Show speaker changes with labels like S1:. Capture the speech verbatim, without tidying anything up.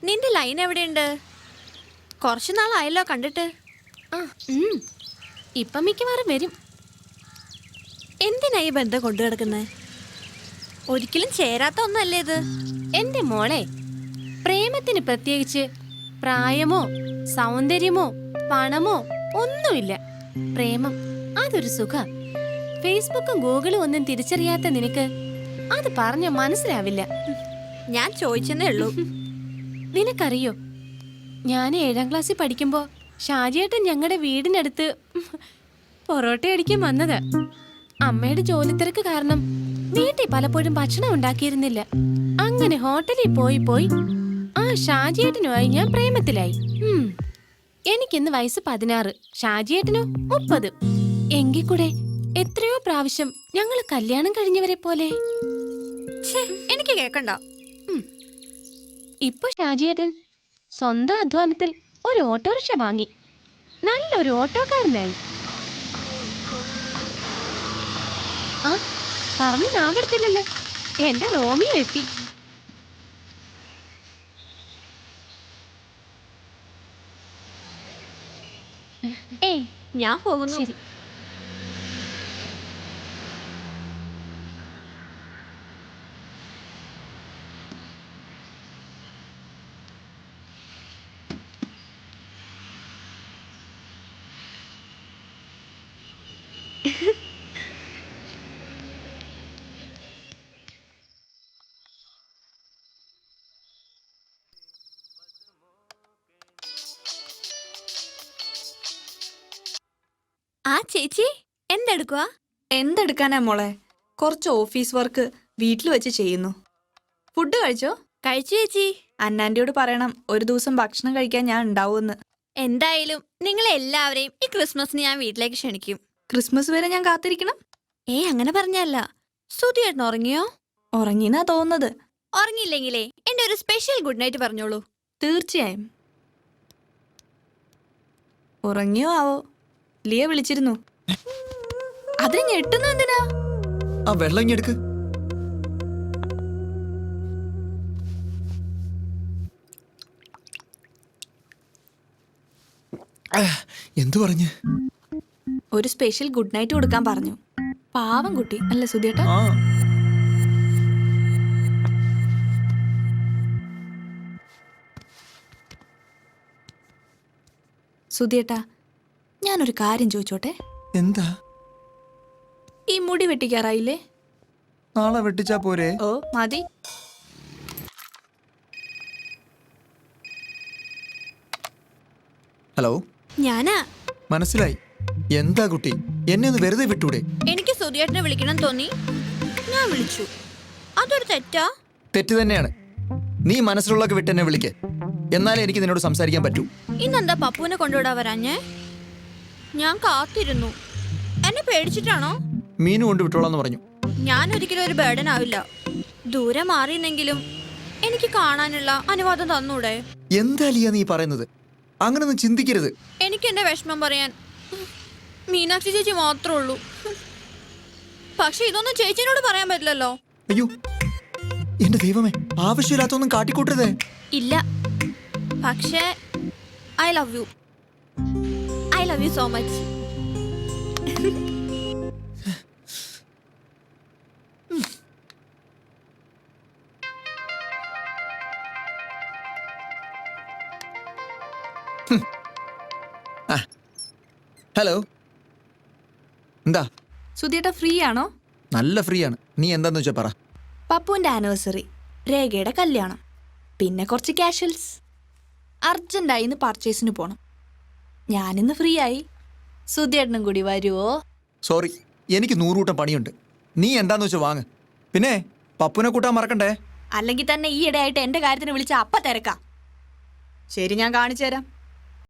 S1: നിന്റെ ലൈൻ എവിടെയുണ്ട്? കുറച്ചു നാളായല്ലോ കണ്ടിട്ട്.
S2: ആ ഇപ്പം മിക്കവാറും വരും.
S1: എന്തിനാ ഈ ബന്ധം കൊണ്ടു കിടക്കുന്നത്? ഒരിക്കലും ചേരാത്ത ഒന്നല്ലേ ഇത്?
S2: എന്റെ മോളെ, പ്രേമത്തിന് പ്രത്യേകിച്ച് പ്രായമോ സൗന്ദര്യമോ പണമോ ഒന്നുമില്ല. പ്രേമം അതൊരു സുഖ. ഫേസ്ബുക്കും ഗൂഗിളും ഒന്നും തിരിച്ചറിയാത്ത നിനക്ക് അത് പറഞ്ഞ മനസ്സിലാവില്ല.
S1: ഞാൻ ചോദിച്ചെന്നേ ഉള്ളൂ.
S2: നിനക്കറിയോ, ഞാൻ ഏഴാം ക്ലാസ്സിൽ പഠിക്കുമ്പോ ഷാജിയേട്ടൻ ഞങ്ങളുടെ വീടിനടുത്ത് പൊറോട്ട അടിക്കാൻ വന്നത്. അമ്മയുടെ ജോലിത്തിരക്ക് കാരണം വീട്ടിൽ പലപ്പോഴും ഭക്ഷണം ഉണ്ടാക്കിയിരുന്നില്ല. അങ്ങനെ ഹോട്ടലിൽ പോയി പോയി ആ ഷാജിയേട്ടനുമായി ഞാൻ പ്രേമത്തിലായി. എനിക്കിന്ന് വയസ്സ് പതിനാറ്, ഷാജിയേട്ടനോ മുപ്പത്. എങ്കിൽ കൂടെ എത്രയോ പ്രാവശ്യം ഞങ്ങൾ കല്യാണം കഴിഞ്ഞവരെ പോലെ.
S1: എനിക്ക് കേക്കണ്ട.
S2: ഇപ്പൊ ഷാജിയേട്ടൻ സ്വന്തം അധ്വാനത്തിൽ ഒരു ഓട്ടോറിക്ഷ വാങ്ങി നല്ലൊരു ഓട്ടോക്കാരനായി. ആ പറഞ്ഞു നാവെടുത്തില്ലല്ലോ, എന്റെ റോമിയോ എത്തി.
S1: ഏയ് ഞാൻ പോകുന്നു.
S2: ശരി.
S1: ആ ചേച്ചി എന്തെടുക്കുവാ?
S3: എന്തെടുക്കാനാ മോളെ, കുറച്ച് ഓഫീസ് വർക്ക് വീട്ടിൽ വെച്ച് ചെയ്യുന്നു. ഫുഡ് കഴിച്ചോ?
S1: കഴിച്ചു ചേച്ചി.
S3: അന്നാൻ്റെയോട് പറയണം ഒരു ദിവസം ഭക്ഷണം കഴിക്കാൻ ഞാൻ ഉണ്ടാവുമെന്ന്.
S1: എന്തായാലും നിങ്ങളെ എല്ലാവരെയും ഈ ക്രിസ്മസിന് ഞാൻ വീട്ടിലേക്ക് ക്ഷണിക്കും.
S3: ക്രിസ്മസ് വരെ ഞാൻ കാത്തിരിക്കണം?
S1: ഏ അങ്ങനെ പറഞ്ഞല്ല. സുധിയേട്ടൻ ഉറങ്ങിയോ?
S3: ഉറങ്ങിന്നാ തോന്നുന്നത്.
S1: ഉറങ്ങിയില്ലെങ്കിലേ എന്റെ ഒരു സ്പെഷ്യൽ ഗുഡ് നൈറ്റ് പറഞ്ഞോളൂ.
S3: തീർച്ചയായും. ഉറങ്ങിയോ ആവോ? ലിയ വിളിച്ചിരുന്നു. അതിന് ഞെട്ടുന്ന എന്തിനാ?
S4: ആ വെള്ളം ഇങ്ങെടുക്ക്. എന്തു പറഞ്ഞു?
S3: ഒരു സ്പെഷ്യൽ ഗുഡ് നൈറ്റ് കൊടുക്കാൻ പറഞ്ഞു. പാവം കുട്ടി അല്ല സുധിയേട്ടാ?
S4: ആ
S3: സുധിയേട്ടാ, ഞാനൊരു കാര്യം ചോദിച്ചോട്ടെ?
S4: എന്താ?
S3: ഈ മുടി വെട്ടിക്കാറായില്ലേ?
S4: നാളെ വെട്ടിച്ചാ പോരെ?
S3: ഓ മതി.
S4: ഹലോ,
S1: ഞാനാ.
S4: മനസ്സിലായി. എന്താ കുട്ടി, എന്നെ ഒന്ന് വെറുതെ വിട്ടൂടെ?
S1: എനിക്ക് സുധിയേട്ടനെ വിളിക്കണം തോന്നി, ഞാൻ വിളിച്ചു. അതൊരു തെറ്റാ?
S4: തെറ്റ് തന്നെയാണ്. നീ മനസ്സിലുള്ളൊക്കെ വിട്ട് എന്നെ വിളിക്ക്, എന്നാലേ എനിക്ക് നിന്നോട് സംസാരിക്കാൻ പറ്റൂ.
S1: ഇന്നെന്താ പപ്പുവിനെ കൊണ്ടുവിടാൻ വരാഞ്ഞേ? ഞാൻ കാത്തിരുന്നു. എന്നെ പേടിച്ചിട്ടാണോ?
S4: മീനു കൊണ്ട് വിട്ടോളാന്ന് പറഞ്ഞു.
S1: ഞാൻ ഒരിക്കലും ഒരു ബേർഡൻ ആവില്ല. ദൂരെ മാറിയെന്നെങ്കിലും എനിക്ക് കാണാനുള്ള അനുവാദം തന്നൂടെ?
S4: എന്താ ലിയ നീ പറയുന്നത്? അങ്ങനൊന്നും ചിന്തിക്കരുത്.
S1: എനിക്ക് എന്റെ വിഷമം പറയാൻ മീനാക്ഷി ചേച്ചി മാത്രമേ ഉള്ളൂ. പക്ഷെ ഇതൊന്നും ചേച്ചിനോട് പറയാൻ പറ്റില്ലല്ലോ.
S4: അയ്യോ എന്റെ ദൈവമേ, ആവശ്യമില്ലാത്തൊന്നും കാട്ടിക്കൂട്ടരുതേ.
S1: ഇല്ല, പക്ഷേ I love you. I love you so much.
S4: Hello, എന്താ?
S3: സുധിയേട്ടാ ഫ്രീ ആണോ?
S4: നല്ല ഫ്രീ ആണ്. നീ എന്താന്ന് വെച്ചാ പറ.
S3: പപ്പുവിന്റെ ആനിവേഴ്സറി, രേഖയുടെ കല്യാണം, പിന്നെ കുറച്ച് കാഷ്വൽസ്. അർജന്റായി ഇന്ന് പർച്ചേസിന് പോണം. ഞാനിന്ന് ഫ്രീ ആയി. സുധിയേട്ടനും കൂടി വരുവോ?
S4: സോറി, എനിക്ക് നൂറുകൂട്ടം പണിയുണ്ട്. നീ എന്താന്ന് വെച്ചാ വാങ്ങ്. പിന്നെ പപ്പുനെ കൂട്ടാൻ മറക്കണ്ടേ.
S3: അല്ലെങ്കിൽ തന്നെ ഈ ഇടയായിട്ട് എന്റെ കാര്യത്തിന് വിളിച്ച അപ്പ തിരക്കാം. ശരി, ഞാൻ കാണിച്ചു തരാം.